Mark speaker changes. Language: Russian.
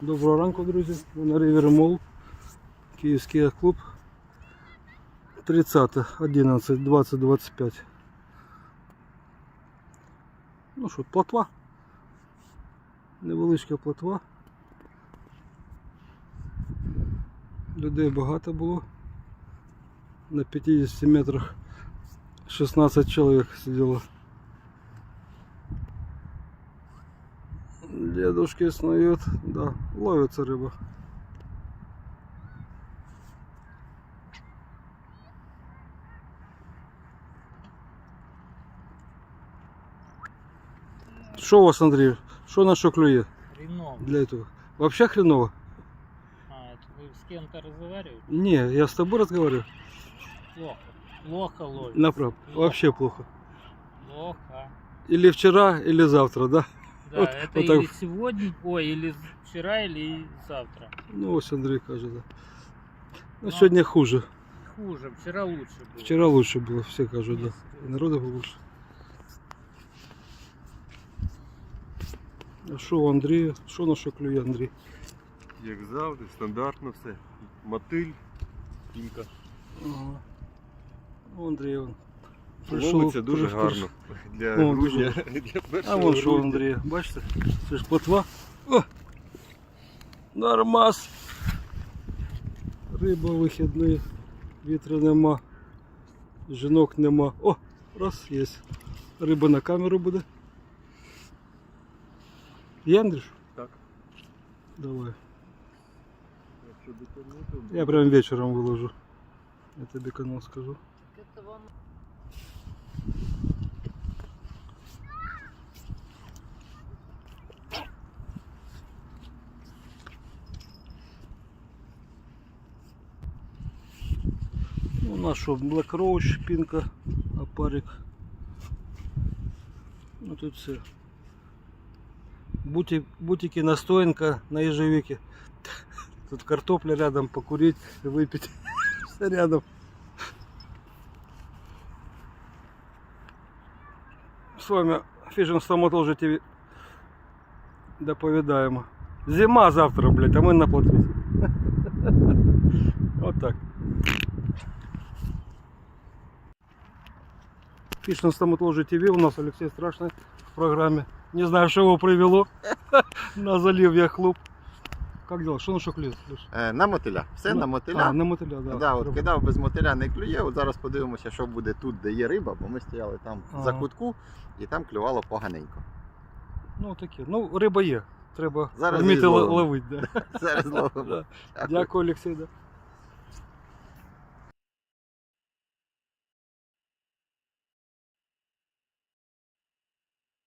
Speaker 1: Доброго ранку, друзі. Ми на River Mall, Київський клуб. 30.11.2025. Ну що, плотва. Невеличка плотва. Людей багато було. На 50 метрах 16 чоловік сиділо. Дедушки снуют, да, ловится рыба. Что у вас, Андрей? Что на что клюет?
Speaker 2: Хреново.
Speaker 1: Для этого? Вообще хреново?
Speaker 2: Это вы с кем-то разговариваете?
Speaker 1: Не, я с тобой разговариваю.
Speaker 2: Плохо. Плохо ловит.
Speaker 1: Направо.
Speaker 2: Плохо.
Speaker 1: Вообще плохо.
Speaker 2: Плохо.
Speaker 1: Или вчера, или завтра, да?
Speaker 2: Да,
Speaker 1: Вот-
Speaker 2: это
Speaker 1: вот
Speaker 2: или
Speaker 1: так.
Speaker 2: сегодня, ой, или вчера, или завтра.
Speaker 1: Ну, вот Андрей кажет, да. Ну,
Speaker 2: Ну.
Speaker 1: сегодня хуже.
Speaker 2: Хуже, вчера лучше было.
Speaker 1: Вчера лучше было, все кажут, да.
Speaker 2: Нет,
Speaker 1: И народу больше. А что у Андрея? Что на что клює, Андрей?
Speaker 3: Як завжди, стандартно все. Мотиль, кінка.
Speaker 1: Ага. У Андрея он.
Speaker 3: Ловиться дуже
Speaker 1: прийшов.
Speaker 3: гарно. Для
Speaker 1: О,
Speaker 3: грудня.
Speaker 1: дуже.
Speaker 3: Для
Speaker 1: А
Speaker 3: першого
Speaker 1: вон що у
Speaker 3: грудня.
Speaker 1: Андрія, бачите? Це ж плотва. О! Нормас. Риба вихідний, вітру нема, жінок нема. О, раз, є. Риба на камеру буде. Є, Андрюш?
Speaker 3: Так.
Speaker 1: Давай.
Speaker 3: Якщо дотягнути,
Speaker 1: Я прям вечором виложу. Я тобі канал скажу.
Speaker 2: Это вам...
Speaker 1: Ну, у нас що, Black Roach, пінка, опарик. Ну тут все. Бутики, настоянка на ежевике. Тут картопля рядом, покурить, выпить. Все рядом. С вами Fishing Stomatology TV. Доповідаємо. Зима завтра, блядь, а мы на плотве. Вот так. Fishing Stomatology TV, у нас Алексей Страшный в программе. Не знаю, что его привело на залив клуб. Как дела? Что на что клюет?
Speaker 4: На мотиля. Все на мотиля.
Speaker 1: А, на мотиля, да.
Speaker 4: Да, от кидав без мотиля не клює. От зараз подивимося, що буде тут, де є риба, бо ми стояли там
Speaker 1: Ага.
Speaker 4: за кутку і там клювало поганенько.
Speaker 1: Ну таке. Ну, риба є. Треба
Speaker 4: Зараз
Speaker 1: вміти
Speaker 4: її зловимо.
Speaker 1: ловити. Да.
Speaker 4: Зараз знову.
Speaker 1: Да. Дякую, Олексій. Да.